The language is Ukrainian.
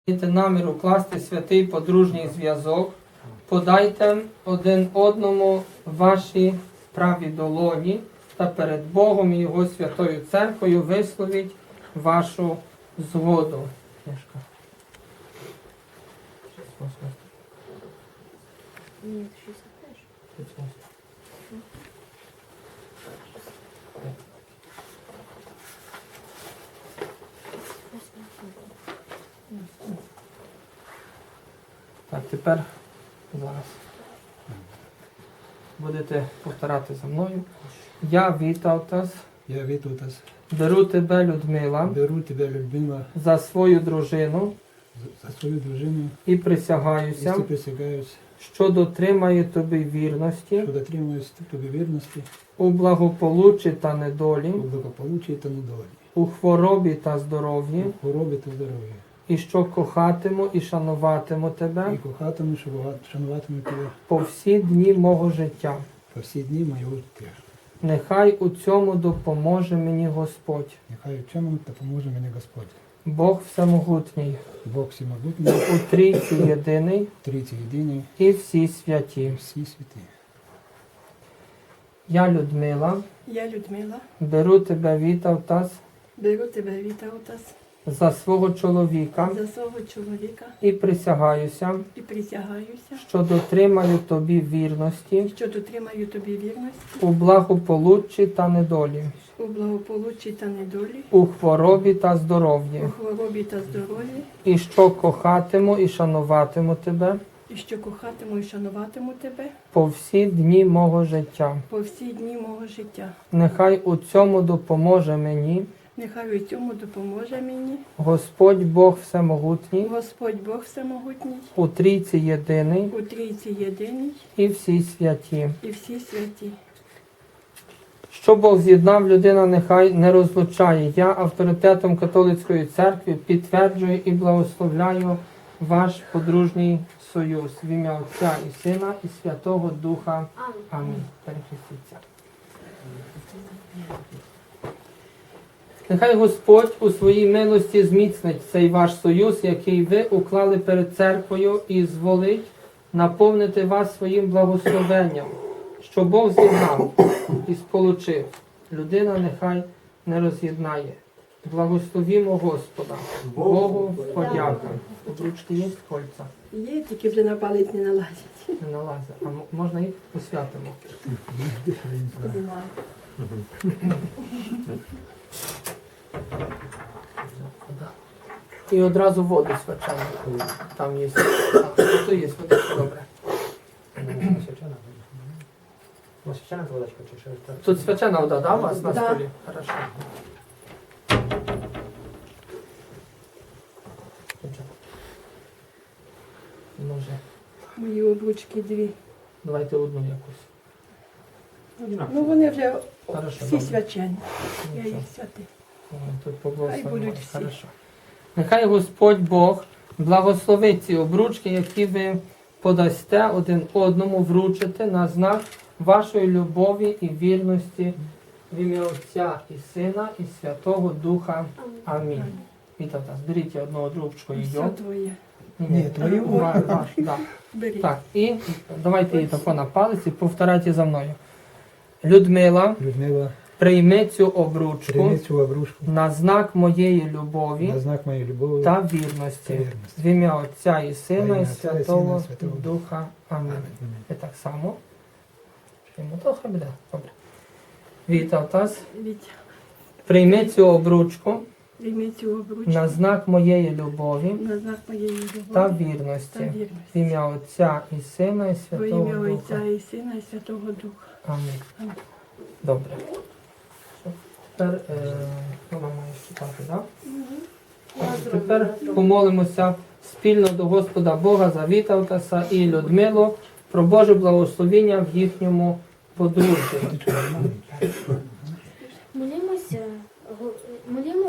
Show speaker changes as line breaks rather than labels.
Маєте намір укласти святий подружній зв'язок, подайте один одному ваші праві долоні та перед Богом і Його святою церквою висловіть вашу згоду.
Нет, 61.
Так, тепер зараз будете повторяти за мною. Я Вітавтас,
Я Вітутас,
беру тебе, Людмила,
беру тебе, Людмила,
за свою дружину
за свою дружину
і
і
присягаюся,
присягаюсь,
що дотримаю тобі вірності
що дотримуюсь тобі вірності
у благополуччі та недолі,
у благополуччі та недолі,
у хворобі та здоров'ї,
у хворобі та здоров'ї,
і що кохатиму і шануватиму тебе
і кохатиму, шануватиму тебе
по всі дні мого життя.
по всі дні моєго життя.
Нехай у цьому допоможе мені Господь,
Нехай в цьому допоможе мені Господь.
Бог Всемогутній,
Бог всемогутній,
у Трійці єдиний
Трійці єдиний,
і всі святі.
всі святі.
Я, Людмила,
Я Людмила,
беру тебе, Вітавтас,
беру тебе, Вітаутас,
за свого чоловіка
за свого чоловіка
і присягаюся,
і присягаюся,
що дотримаю тобі вірності
що дотримаю тобі вірності
у благополуччі та недолі,
у благополуччі та недолі,
у хворобі та здоров'ї,
у хворобі та здоров'ї,
і що кохатиму і шануватиму тебе
і що кохатиму і шануватиму тебе
по всі дні мого життя.
по всі дні мого життя.
Нехай у цьому допоможе мені
Нехай у цьому допоможе мені
Господь Бог Всемогутній,
Господь Бог Всемогутній,
у Трійці єдиний
у Трійці єдиний
і всі святі.
і всі святі.
Що Бог з'єднав, людина нехай не розлучає. Я авторитетом католицької церкви підтверджую і благословляю ваш подружній союз в ім'я Отця і Сина і Святого Духа. Амінь. Перехрестіться. Нехай Господь у своїй милості зміцнить цей ваш союз, який ви уклали перед церквою, і зволить наповнити вас своїм благословенням, що Бог з'єднав і сполучив. Людина нехай не роз'єднає. Благословімо Господа. Богу подяка. Обручки є, кольця?
Є, тільки вже на палець не налазять.
Не налазить. А можна їх посвятимо? І одразу воду свячену. Там є. Тут є водичка, добре.
Священна водичка чи щось так?
Тут свячена вода, да, у вас на
Да.
столі? Хорошо. Може,
Мої обручки дві.
давайте одну якусь.
Ну вони вже
Хорошо,
всі
добре.
свячені. Я їх
Нічого.
святий.
Тут поблагословимо.
Хай будуть всі.
Хорошо. Нехай Господь Бог благословить ці обручки, які ви подасте один одному вручити на знак вашої любові і вірності в ім'я Отця і Сина і Святого Духа. Амінь. Вітаю вас. Беріть одну обручку і
Все
йо.
твоє.
Ні, твою.
Ваш, да.
Бери.
Так, і давайте її тако на палець і повторяйте за мною. Людмила,
Людмила,
прийми цю обручку
прийми цю обручку
на знак моєї любові
на знак моєї любові
та вірності.
вірності.
В ім'я Отця і Сина
Во
і
ім'я Отця і Сина, і
Святого
Святого
Духа. Амінь. І так само. Йому трохи буде. Добре. Вітав вас.
Вітя,
Прийми цю обручку
прийми цю обручку
на знак моєї любові
на знак моєї любові
та
та
вірності. В
вірності.
ім'я Отця і Сина і
Во
Святого
ім'я
Духа.
Отця і Сина і Святого Духа.
Амінь.
Амінь.
Добре. Тепер вона має читати, так? Тепер помолимося спільно до Господа Бога за Вітавтаса і Людмилу про Боже благословіння в їхньому подружжі.
Молімося, молімо.